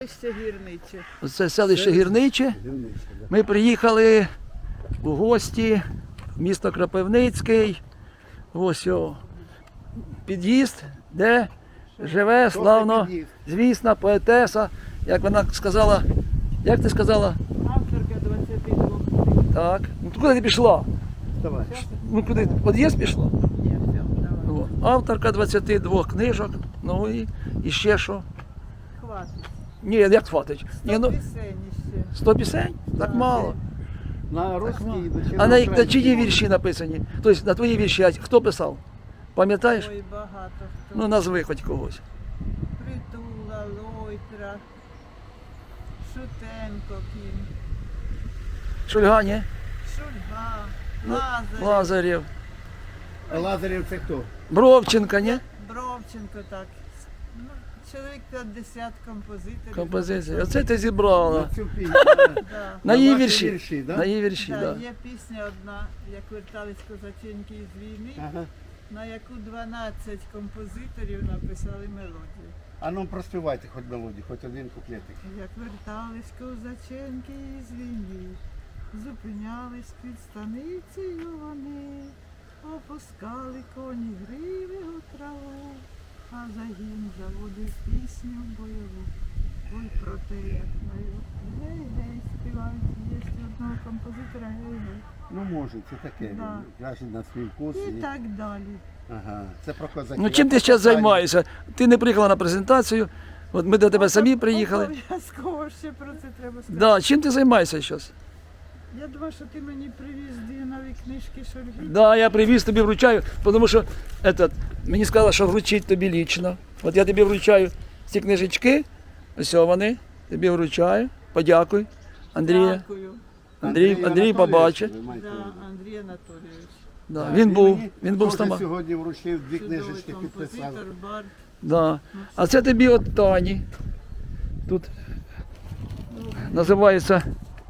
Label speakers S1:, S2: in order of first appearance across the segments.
S1: Гірниче.
S2: Це селище Гірниче. Ми приїхали у гості в місто Кропивницький. Ось о, під'їзд, де живе славно звісна поетеса, як вона сказала, як ти сказала?
S1: Авторка 22.
S2: Так. Ну куди ти пішла?
S3: Давай.
S2: Ну куди? В під'їзд пішла?
S1: Ні, все, давай.
S2: О, авторка 22 книжок, ну і ще що?
S1: Хватить.
S2: Ні, як хватить? Ні,
S1: 100
S2: ну,
S1: пісень ще.
S2: 100 пісень? Так мало.
S3: На русській,
S2: А на чиї вірші написані? Тобто на твої вірші, а хто писав? Пам'ятаєш?
S1: Ой, багато хто.
S2: Ну назви хоч когось.
S1: Притула, Лойтра, Шутенко, Кім,
S2: Шульга, ні?
S1: Шульга,
S2: Ну,
S1: Лазарев,
S2: Лазарєв.
S3: Лазарів це хто?
S2: Бровченка, ні?
S1: Бровченко, так. Ну, чоловік 50 композиторів.
S2: Композиція. Оце ти зібрала.
S3: На цю пісню.
S1: Да.
S2: На її
S3: ваші
S2: вірші.
S3: вірші, да?
S2: На її вірші,
S1: Да,
S2: так.
S1: є пісня одна, як вертались козаченьки із війни,
S3: Ага.
S1: на яку 12 композиторів написали мелодію.
S3: А ну проспівайте хоч мелодію, хоч один куплетик.
S1: Як вертались козаченки із війни, зупинялись під станицею вони, опускали коні гриви у траву, а загін заводив пісню бойову. Ой, про те, як маю. Гей-гей, співають, є одного композитора, гей-гей.
S3: Ну може, це таке.
S1: Да.
S3: Краще на свій вкус.
S1: І так далі.
S3: Ага, це про козаків.
S2: Ну чим ти зараз займаєшся? Ти не приїхала на презентацію, от ми до тебе самі приїхали.
S1: Обов'язково ще про це треба сказати.
S2: Да, чим ти займаєшся зараз?
S1: Я думаю, що ти мені привіз дві нові книжки Шульги.
S2: Да, я привіз тобі вручаю, тому що мені сказали, що вручить тобі лічно. От я тобі вручаю ці книжечки, ось вони, тобі вручаю. Подякуй, Андрія.
S1: Дякую.
S2: Андрій побачить.
S3: Ви маєте на увазі.
S1: Да, Андрій Анатолійович.
S2: Да,
S3: Так,
S2: він був з
S3: теж
S2: тобою.
S3: сьогодні вручив дві
S1: Чудовий
S3: книжечки, підписав.
S1: композитор, бард.
S2: Да. А це тобі от Тані. Тут називається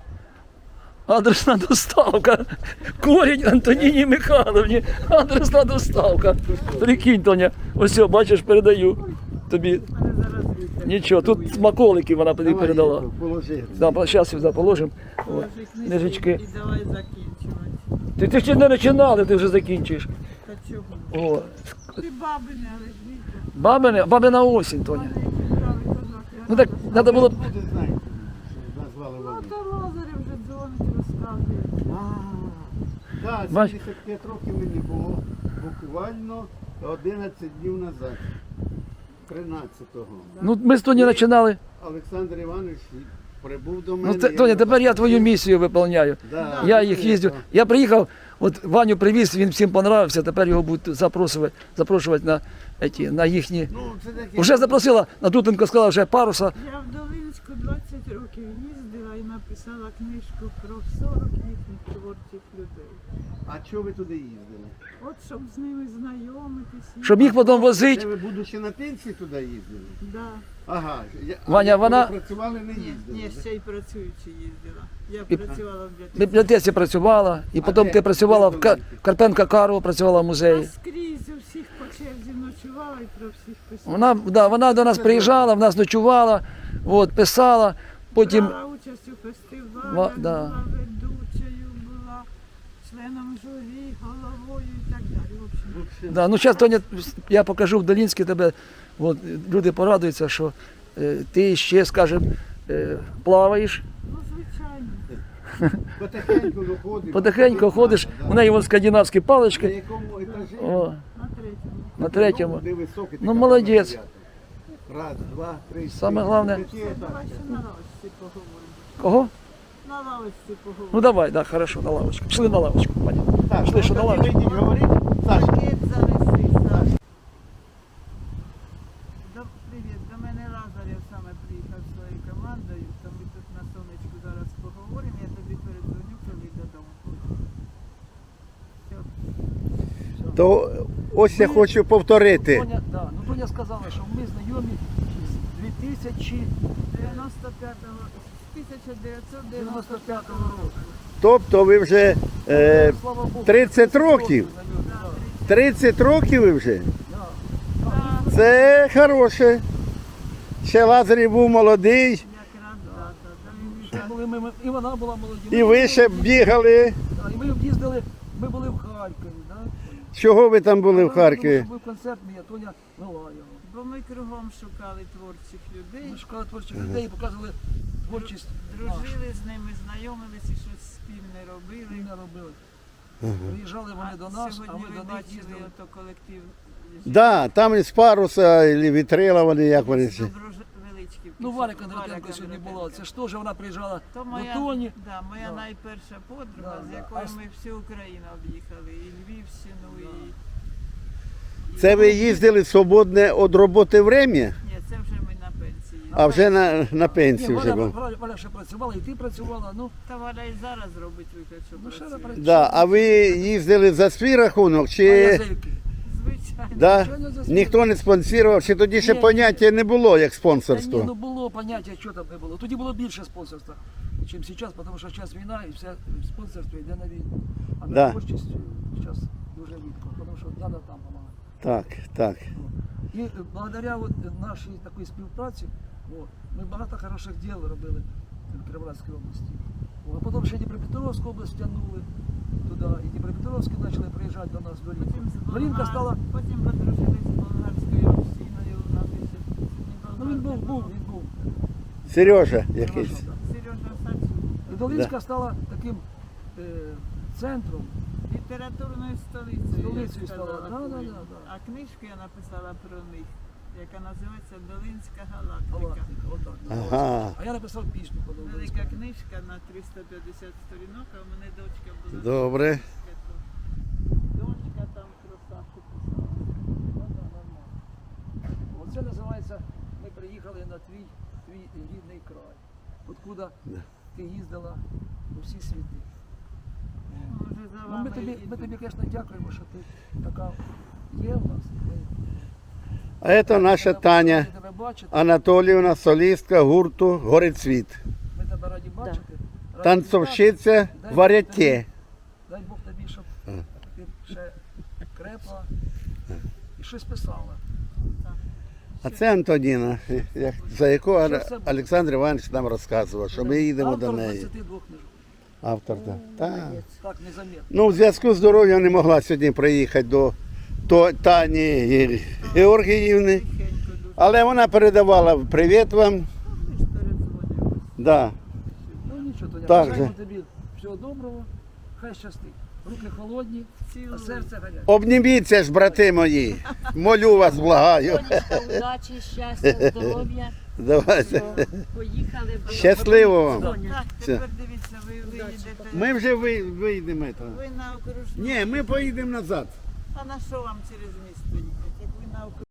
S2: адресна доставка. Корінь Антоніні Михайловні. Адресна доставка. Прикинь, Тоня, ось о, бачиш, передаю тобі.
S1: У мене зараз вітер.
S2: Нічого, тут смаколики вона тобі
S3: Давай,
S2: передала.
S3: Положи.
S2: Да, зараз сюди положимо. От,
S1: Положи
S2: книжечки.
S1: І давай закінчувати.
S2: Ти ще не починали, ти вже закінчуєш.
S1: Та чого?
S2: О.
S1: Ти бабине, але ж вітер.
S2: Бабина осінь, Тоня.
S1: Мене який правий козак. Я
S2: Ну так,
S1: рада.
S2: треба було.
S3: Буде, знаєте, що назвали
S1: Ну,
S3: вони.
S1: то Лазарев вже дзвонить, розказує.
S3: Так,
S2: Бач.
S3: 75 років мені було буквально 11 днів назад. 13-го.
S2: Ну, ми з Тоні починали.
S3: Олександр Іванович прибув до мене.
S2: Ну, Тоня, тепер я твою місію виповняю.
S3: Да,
S2: Я їх їздю. Я приїхав, от Ваню привіз, він всім понравився, тепер його будуть запрошувати на їхні.
S3: Ну, це таке.
S2: Вже запросила, Натутенко сказала, вже паруса.
S1: Я в Долинську 20 років їздила і написала книжку про 40 їхніх творчих людей.
S3: А чого ви туди їздили?
S1: От щоб з ними знайомитися.
S2: Щоб їх потім
S3: Це
S2: возити.
S3: ви, будучи на пенсії, туди їздили?
S1: Да.
S3: Ага.
S2: Ваня,
S3: як
S2: вона-
S3: ви працювали, не
S1: Ні,
S3: їздили?
S1: ще й працюючи їздила. Я
S2: І-
S1: працювала в
S2: В
S1: бібліотеці.
S2: бібліотеці працювала, і потім
S3: де?
S2: ти працювала в
S3: Де Долинській?
S2: Карпенка Карова, працювала в
S1: А
S2: музеї.
S1: скрізь у всіх по черзі ночувала і про всіх писала.
S2: Вона до нас приїжджала, в нас ночувала, от, писала, потім.
S1: Брала участь у фестивалях,
S2: Да.
S1: була ведучою, була членом журі, головою і так далі. В общем,
S2: Да, ну зараз, Тоня, я покажу в Долінській тебе, от, люди порадуються, що ти ще, скажімо, плаваєш,
S1: ну, звичайно.
S3: Потихеньку виходиш.
S2: потихеньку ходиш, у неї вон скандинавські
S3: На
S2: палички.
S3: якому етажі?
S2: О,
S1: На третьому.
S2: на третьому.
S3: Де високий,
S2: Ну,
S3: така
S2: молодець.
S3: дев'ята. Раз, два, три.
S2: Саме
S3: чотири,
S2: головне-
S3: п'ять етажів.
S1: Давай ще на лавочці поговоримо.
S2: Кого?
S1: На лавочці поговоримо.
S2: Ну давай, да, хорошо, на лавочку. Пішли на лавочку, Ваня.
S3: Так,
S2: Пішли, що на
S3: тоді
S2: лавочку.
S3: вийдіть, говоріть. Саша,
S1: Пакет занеси, Саш. Привіт, до мене Лазарєв саме приїхав зі своєю командою, то ми тут на сонечку зараз поговоримо, я тобі передзвоню, коли додому буду. Все.
S3: то ось я хочу повторити.
S2: Тоня, да, ну Тоня сказала, що ми знайомі з
S1: 95-го, з 1995 року.
S3: Тобто ви вже
S2: Слава Богу,
S3: 30 років.
S1: Да,
S3: 30 років ви вже.
S1: да.
S3: Це хороше. Ще Лазарів був молодий,
S1: Якраз да.
S2: Ще були і вона була молоді.
S3: і ви ще бігали.
S2: Да, і ми їздили, ми були в Харкові. Да?
S3: Чого ви там були в Харкові?
S2: Був концерт, мій Тоня вела його.
S1: Бо ми кругом шукали творчих людей,
S2: Ми шукали творчих людей і показували творчість.
S1: дружили з ними, знайомилися і щось спільне робили.
S2: Ми не робили. Приїжджали вони до нас, а
S1: Сьогодні
S2: ми
S1: ви
S2: до них
S1: бачили
S2: їздили.
S1: ото колектив
S3: Да, там із паруса, і вітрила вони, як вони всі.
S1: Добровеличків.
S2: Ну, Валя Кондратенко сьогодні була. Це ж теж вона приїжджала
S1: То
S2: до
S1: моя,
S2: Тоні.
S1: да, моя
S2: Да.
S1: найперша подруга,
S2: Да,
S1: з
S2: да.
S1: якою
S2: А
S1: ми всю Україну об'їхали, і Львівщину, і...
S3: Це ви їздили свободне від роботи время,
S1: Ні, це вже ми на пенсії.
S3: а вже на
S2: Ні,
S3: пенсію вже
S2: Валя,
S3: був.
S2: Валя ще працювала, і ти працювала. Ну,
S1: Та Валя і зараз робить вигляд, що
S2: Ну, ще
S1: працює.
S2: працює.
S3: Да, а ви їздили за свій рахунок,
S2: а
S3: чи
S2: язики?
S1: Звичайно.
S3: да?
S2: Звичайно, за свій.
S3: Ніхто не спонсорував, чи тоді ще
S2: Ні,
S3: поняття не було як
S2: Та ні,
S3: спонсорство?
S2: ну було поняття, що там не було. Тоді було більше спонсорства, ніж зараз, тому що зараз війна і все спонсорство йде на війну. А на
S3: Да.
S2: творчість зараз дуже рідко, тому що треба там допомагати.
S3: Так, так.
S2: І благодаря от нашій такій співпраці от, ми багато хороших діл робили в Кіровоградській області. О, а потім ще Дніпропетровську область тягнули туди, і Дніпропетровські почали приїжджати до нас до Рівка. Рівка стала,
S1: Потім подружились з болгарською общиною. У нас ще
S2: ну він був.
S3: Сережа якийсь.
S1: Сережа Сачук.
S2: І Долинська стала таким центром.
S1: Літературною столицею.
S2: Столицею
S1: я б сказала,
S2: стала, да,
S1: Києва.
S2: да.
S1: А книжку я написала про них, яка називається Долинська галактика.
S2: Галактика, отак.
S3: Ага.
S2: А я написав пісню по
S1: Велика
S2: Долинському.
S1: книжка на 350 сторінок, а у мене дочка була.
S3: Добре.
S1: Дочка там про Сашу писала.
S2: Ну, да, нормально. Оце називається, ми приїхали на твій рідний край. Откуда ти їздила у всі світи.
S1: Може, за
S2: Ну,
S1: вами
S2: ми тобі,
S1: їду.
S2: звісно, дякуємо, що ти така є в нас.
S3: А це наша Таня
S2: Раді тебе бачити.
S3: Анатоліївна, солістка гурту Горецвіт.
S2: Ми тебе раді бачити. Раді
S3: Танцовщиця
S2: вітати. Дай Бог
S3: варяте.
S2: тобі- Дай Бог тобі, щоб ти ще крепла і щось писала.
S3: А це Антоніна, за яку Олександр Іванович нам розказував, що ми їдемо до
S2: Автор
S3: неї.
S2: 22 книжок.
S3: Автор, так. Так.
S2: Так, незаметно.
S3: Ну, в зв'язку з здоров'ям не могла сьогодні приїхати до Тані Георгіївни,
S1: Тихенько дуже.
S3: але вона передавала привіт вам.
S1: Ми ж передзвонювалися.
S3: Да.
S2: Ну нічого, Тоня,
S3: Так
S2: бажаємо
S3: же.
S2: тобі всього доброго, хай щастить. Руки холодні, а
S1: Цілую.
S2: серце гаряче.
S3: Обніміться ж, брати мої. Молю вас, благаю.
S4: Сонечка, удачі, щастя, здоров'я.
S3: Давайте.
S4: Поїхали.
S3: Щасливо вам.
S1: Так,
S3: Все.
S1: тепер дивіться, ви виїдете.
S3: Ми вже вийдемо.
S1: Ви на окружну.
S3: Ні, ми поїдемо назад.
S1: А на що вам через місто їхати? Як ви на окружну?